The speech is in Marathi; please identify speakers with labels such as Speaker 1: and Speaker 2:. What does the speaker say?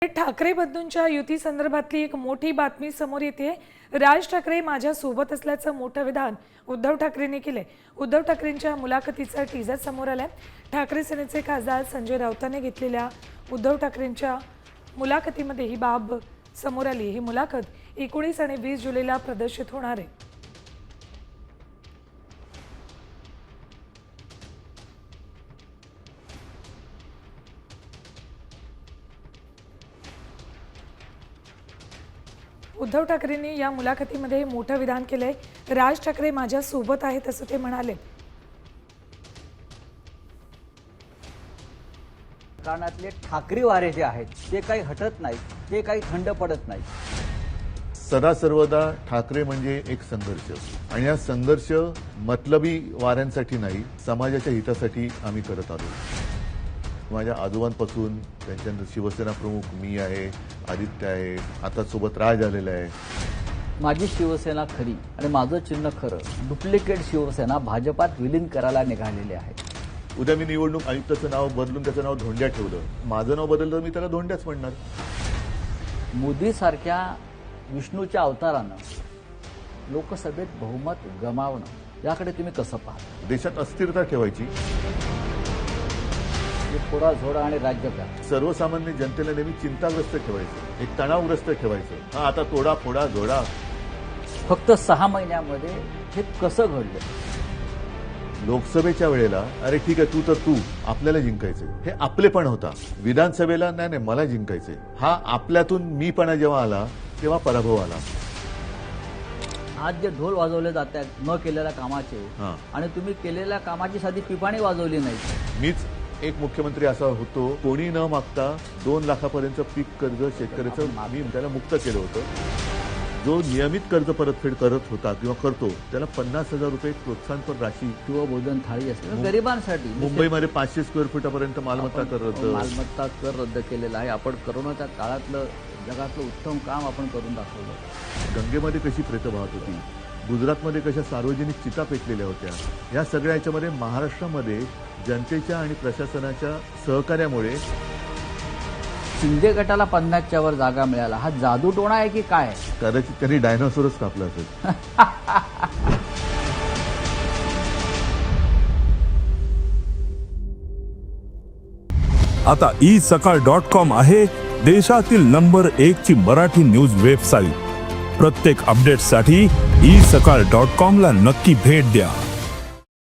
Speaker 1: ठाकरे बंधूंच्या युती संदर्भातली एक मोठी बातमी समोर येते। राज ठाकरे माझ्या सोबत असल्याचं मोठं विधान उद्धव ठाकरेंनी केले। उद्धव ठाकरेंच्या मुलाखतीचा टीजर समोर आलाय। ठाकरे सेनेचे खासदार संजय राऊतांनी घेतलेल्या उद्धव ठाकरेंच्या मुलाखतीमध्ये ही बाब समोर आली। ही मुलाखत 19 आणि 20 जुलैला प्रदर्शित होणार आहे। उद्धव ठाकरेंनी या मुलाखतीमध्ये मोठं विधान केलंय। राज ठाकरे माझ्या सोबत आहेत असं ते म्हणाले।
Speaker 2: कारणातले ठाकरे वारे जे आहेत ते काही हटत नाहीत, ते काही थंड पडत नाहीत।
Speaker 3: सदा सर्वदा ठाकरे म्हणजे एक संघर्ष, आणि हा संघर्ष मतलबी वाऱ्यांसाठी नाही, समाजाच्या हितासाठी आम्ही करत आलो। माझ्या आजोबांपासून त्यांच्यानंतर शिवसेना प्रमुख मी आहे, आदित्य आहे, आता सोबत राज आलेला आहे।
Speaker 2: माझी शिवसेना खरी आणि माझं चिन्ह खरं डुप्लिकेट शिवसेना भाजपात विलीन करायला निघालेले आहे।
Speaker 3: उद्या मी निवडणूक आयुक्ताचं नाव बदलून त्याचं नाव धोंड्या ठेवलं, माझं नाव बदललं तर मी त्याला धोंड्याच म्हणणार।
Speaker 2: मोदी सारख्या विष्णूच्या अवतारानं लोकसभेत बहुमत गमावणं याकडे तुम्ही कसं पाहता?
Speaker 3: देशात अस्थिरता ठेवायची,
Speaker 2: थोडा झोडा आणि राज्यकार
Speaker 3: सर्वसामान्य जनतेला नेहमी चिंताग्रस्त ठेवायचं, एक तणावग्रस्त ठेवायचं। हा आता तोडा फोडा जोडा।
Speaker 2: फक्त 6 महिन्यामध्ये हे कसं घडलं?
Speaker 3: लोकसभेच्या वेळेला अरे ठीक आहे तू आपल्याला जिंकायचंय, हे आपलेपण होता। विधानसभेला नाही मला जिंकायचंय, हा आपल्यातून मीपणा जेव्हा आला तेव्हा पराभव आला।
Speaker 2: आज जे ढोल वाजवले जात आहेत न केलेल्या कामाचे, आणि तुम्ही केलेल्या कामाची साधी पिपाणी वाजवली नाही।
Speaker 3: मीच एक मुख्यमंत्री असा होतो, कोणी न मागता 2 लाखापर्यंत पीक कर्ज शेतकऱ्याचं मी त्याला मुक्त केलं होतं। जो नियमित कर्ज परतफेड करत होता किंवा करतो त्याला 50,000 रुपये प्रोत्साहनपर राशी
Speaker 2: किंवा भोजन थाळी असते गरिबांसाठी।
Speaker 3: मुंबईमध्ये 500 स्क्वेअर फुटापर्यंत मालमत्ता कर
Speaker 2: रद्द केलेला आहे। आपण करोनाच्या काळातलं जगातलं उत्तम काम आपण करून दाखवलं।
Speaker 3: गंगेमध्ये कशी प्रेतं वाहत होती, गुजरातमध्ये कशा सार्वजनिक चिता पेटलेल्या होत्या, या सगळ्या याच्यामध्ये महाराष्ट्रामध्ये जनतेच्या आणि प्रशासनाच्या सहकार्यामुळे
Speaker 2: शिंदे गटाला 50च्या वर जागा मिळाला। हा जादूटोणा आहे की काय?
Speaker 3: कदाचित त्यांनी डायनोसॉरच कापला असेल।
Speaker 4: आता isakal.com आहे देशातील नंबर 1 ची मराठी न्यूज वेबसाईट। प्रत्येक अपडेटसाठी isakal.com ला नक्की भेट द्या।